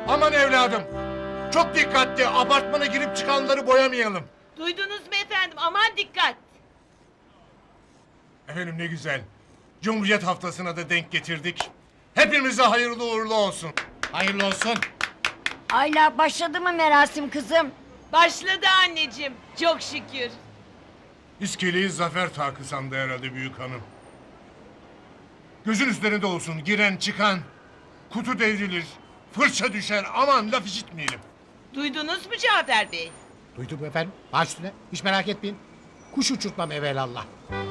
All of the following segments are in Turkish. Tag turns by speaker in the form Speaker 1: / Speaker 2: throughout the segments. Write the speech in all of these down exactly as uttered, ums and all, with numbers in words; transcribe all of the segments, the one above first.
Speaker 1: Aman evladım. Çok dikkatli. Apartmana girip çıkanları boyamayalım.
Speaker 2: Duydunuz mu efendim? Aman dikkat.
Speaker 1: Efendim ne güzel. Cumhuriyet haftasına da denk getirdik. Hepimize hayırlı uğurlu olsun.
Speaker 3: Hayırlı olsun.
Speaker 4: Ayla başladı mı merasim kızım?
Speaker 2: Başladı anneciğim. Çok şükür.
Speaker 1: İskeleyi zafer takı sandı herhalde büyük hanım. Gözün üzerinde olsun giren çıkan. Kutu devrilir. Fırça düşer. Aman laf işitmeyelim.
Speaker 2: Duydunuz mu Cafer Bey?
Speaker 3: Duydum efendim. Baş üstüne. Hiç merak etmeyin. Kuş uçurtmam evelallah.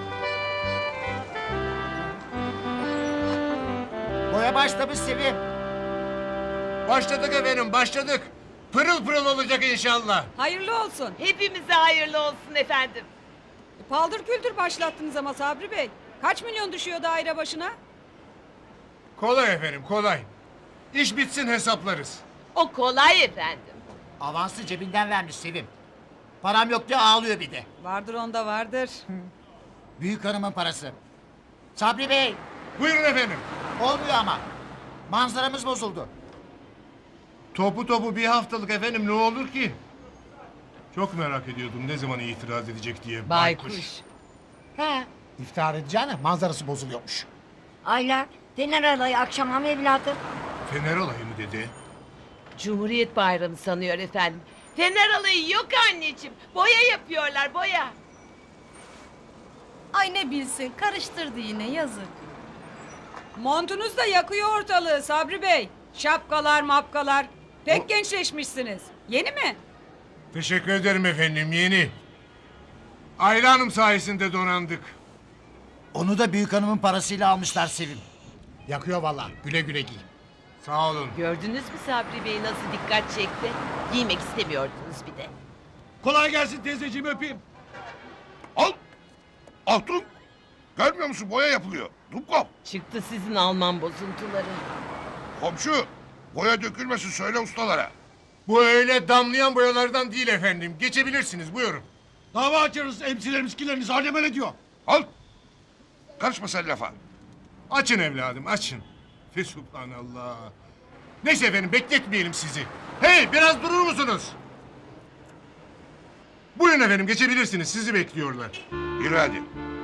Speaker 5: Boya başlamış Sevim.
Speaker 1: Başladık efendim başladık. Pırıl pırıl olacak inşallah.
Speaker 6: Hayırlı olsun.
Speaker 2: Hepimize hayırlı olsun efendim.
Speaker 6: Paldır küldür başlattınız ama Sabri Bey. Kaç milyon düşüyor daire başına?
Speaker 1: Kolay efendim kolay. İş bitsin hesaplarız.
Speaker 2: O kolay efendim.
Speaker 5: Avansı cebinden vermiş Sevim. Param yok diye ağlıyor bir de.
Speaker 6: Vardır onda vardır.
Speaker 5: Büyük hanımın parası. Sabri Bey,
Speaker 1: Buyurun efendim.
Speaker 5: olmuyor ama. Manzaramız bozuldu.
Speaker 1: Topu topu bir haftalık efendim ne olur ki? Çok merak ediyordum ne zaman itiraz edecek diye.
Speaker 4: He.
Speaker 3: İftihar edeceğine manzarası bozuluyormuş.
Speaker 4: Ayla Fener alayı akşama mı evladım?
Speaker 1: Fener olayı mı dedi?
Speaker 2: Cumhuriyet Bayramı sanıyor efendim. Fener alayı yok anneciğim. Boya yapıyorlar boya.
Speaker 7: Ay ne bilsin karıştırdı yine yazık.
Speaker 6: Montunuz da yakıyor ortalığı Sabri Bey. Şapkalar mapkalar. Pek gençleşmişsiniz. Yeni mi?
Speaker 1: Teşekkür ederim efendim yeni. Ayla Hanım sayesinde donandık.
Speaker 5: Onu da büyük hanımın parasıyla almışlar Sevim.
Speaker 3: Yakıyor vallahi. Güle güle giy.
Speaker 1: Sağ olun.
Speaker 2: Gördünüz mü Sabri Bey nasıl dikkat çekti? Giymek istemiyordunuz bir de.
Speaker 8: Kolay gelsin teyzeciğim öpeyim. Al. Altun. Görmüyor musun boya yapılıyor. Dubkov.
Speaker 2: Çıktı sizin Alman bozuntuları.
Speaker 8: Komşu. Boya dökülmesin söyle ustalara.
Speaker 1: Bu öyle damlayan boyalardan değil efendim. Geçebilirsiniz buyurun.
Speaker 8: Dava açarız emsilerimiz kileriniz alem öyle diyor. Al. Karışma sen lafa.
Speaker 1: Açın evladım açın. Fesubhanallah. Neyse efendim bekletmeyelim sizi. Hey biraz durur musunuz? Buyurun efendim geçebilirsiniz sizi bekliyorlar.
Speaker 8: Yürü hadi.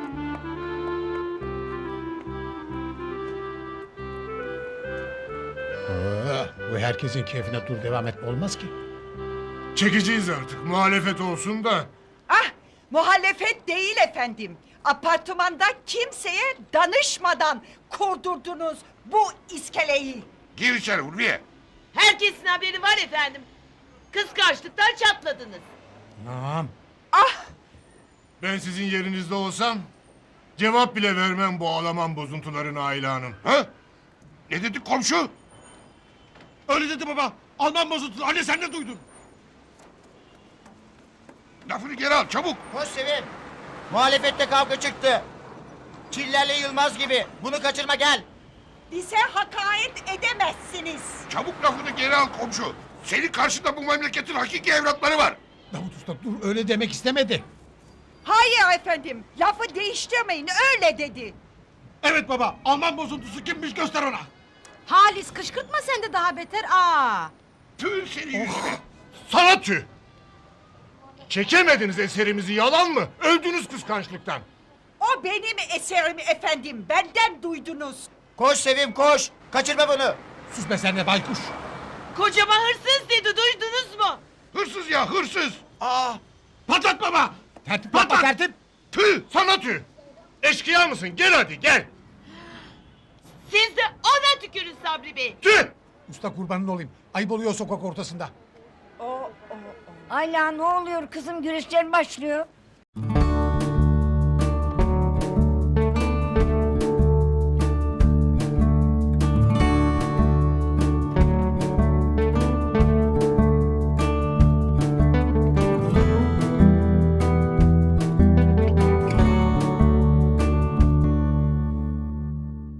Speaker 3: Oo, bu herkesin keyfine dur devam etme olmaz ki.
Speaker 1: Çekeceğiz artık muhalefet olsun da.
Speaker 9: Ah, muhalefet değil efendim. Apartmanda kimseye danışmadan kurdurdunuz bu iskeleyi.
Speaker 8: Gir içeri Ulviye.
Speaker 2: Herkesin haberi var efendim. Kıskançlıktan çatladınız.
Speaker 3: Tamam.
Speaker 1: Ben sizin yerinizde olsam cevap bile vermem bu Alman bozuntularına Ayla Hanım.
Speaker 8: Ha? Ne dedi komşu? Öyle dedi baba. Alman bozuntu. Anne sen ne duydun? Lafını geri al çabuk.
Speaker 5: Koş Sevim. Muhalefette kavga çıktı. Çillerle Yılmaz gibi. Bunu kaçırma gel.
Speaker 9: Bize hakaret edemezsiniz.
Speaker 8: Çabuk lafını geri al komşu. Senin karşında bu memleketin hakiki evlatları var.
Speaker 3: Davut Usta dur öyle demek istemedi.
Speaker 9: Hayır efendim, lafı değiştirmeyin öyle dedi.
Speaker 8: Evet baba. Alman bozuntusu kimmiş göster ona.
Speaker 7: Halis kışkırtma sen de daha beter. Aa.
Speaker 8: Tüh senin yüzüne.
Speaker 1: Sana tüh! Çekemediniz eserimizi yalan mı? Öldünüz kıskançlıktan.
Speaker 9: O benim eserim efendim, benden duydunuz.
Speaker 5: Koş Sevim koş. Kaçırma bunu.
Speaker 3: Sus be sen de baykuş.
Speaker 2: Kocama hırsız dedi duydunuz mu?
Speaker 8: Hırsız ya hırsız.
Speaker 5: Aa,
Speaker 8: Patlat baba.
Speaker 3: Tertip
Speaker 8: Patlat.
Speaker 3: yapma tertip.
Speaker 8: Tüh.
Speaker 1: Sana tüh! Eşkıya mısın? Gel hadi gel.
Speaker 2: Siz de ona tükürün Sabri Bey.
Speaker 1: Tüh!
Speaker 3: Usta kurbanın olayım. Ayıp oluyor sokak ortasında.
Speaker 4: Ayla ne oluyor kızım güreşler başlıyor.